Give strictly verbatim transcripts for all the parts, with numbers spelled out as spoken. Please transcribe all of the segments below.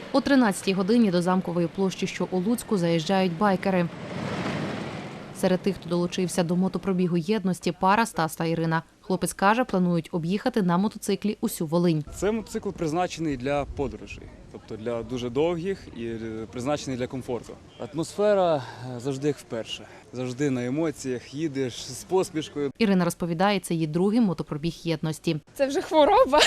О тринадцятій годині до Замкової площі, що у Луцьку, заїжджають байкери. Серед тих, хто долучився до мотопробігу єдності, пара Стас та Ірина. Хлопець каже, планують об'їхати на мотоциклі усю Волинь. Це мотоцикл призначений для подорожей, тобто для дуже довгих і призначений для комфорту. Атмосфера завжди як вперше. Завжди на емоціях, їдеш з посмішкою. Ірина розповідає, це її другий мотопробіг єдності. Це вже хвороба.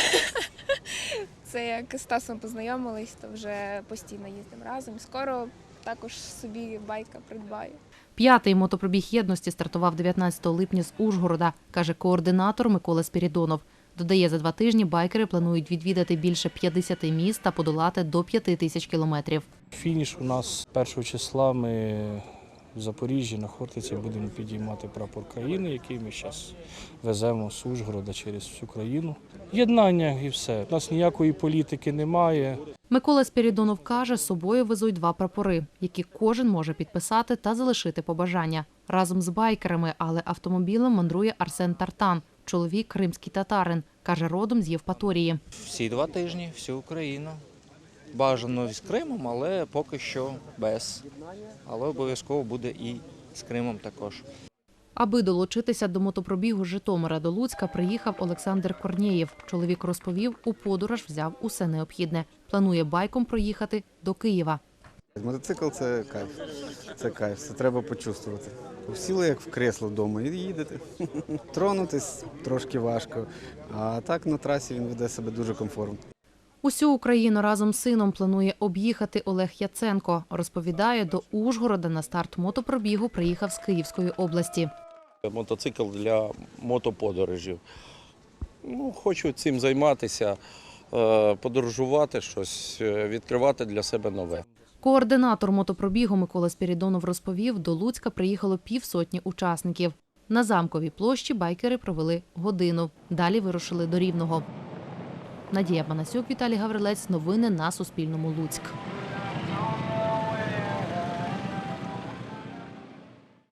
Це як з Стасом познайомились, то вже постійно їздимо разом. Скоро також собі байка придбаю. П'ятий мотопробіг єдності стартував дев'ятнадцятого липня з Ужгорода, каже координатор Микола Спірідонов. Додає, за два тижні байкери планують відвідати більше п'ятдесяти міст та подолати до п'яти тисяч кілометрів. Фініш у нас першого числа. Ми в Запоріжжі на Хортиці будемо підіймати прапор країни, який ми зараз веземо з Ужгорода через всю країну. Єднання і все. У нас ніякої політики немає. Микола Спірідонов каже, з собою везуть два прапори, які кожен може підписати та залишити побажання. Разом з байкерами, але автомобілем мандрує Арсен Тартан. Чоловік – кримський татарин. Каже, родом з Євпаторії. Всі два тижні, всю Україну. Бажано з Кримом, але поки що без. Але обов'язково буде і з Кримом також. Аби долучитися до мотопробігу з Житомира до Луцька, приїхав Олександр Корнєєв. Чоловік розповів, у подорож взяв усе необхідне. Планує байком проїхати до Києва. Мотоцикл – це кайф, це кайф, це треба почувствувати. Сіли як в кресло вдома і їдете. Тронутись трошки важко, а так на трасі він веде себе дуже комфортно. Усю Україну разом з сином планує об'їхати Олег Яценко. Розповідає, до Ужгорода на старт мотопробігу приїхав з Київської області. Мотоцикл для мотоподорожів. Ну, хочу цим займатися, подорожувати щось, відкривати для себе нове. Координатор мотопробігу Микола Спірідонов розповів, до Луцька приїхало півсотні учасників. На Замковій площі байкери провели годину. Далі вирушили до Рівного. Надія Панасюк, Віталій Гаврилець. Новини на Суспільному. Луцьк.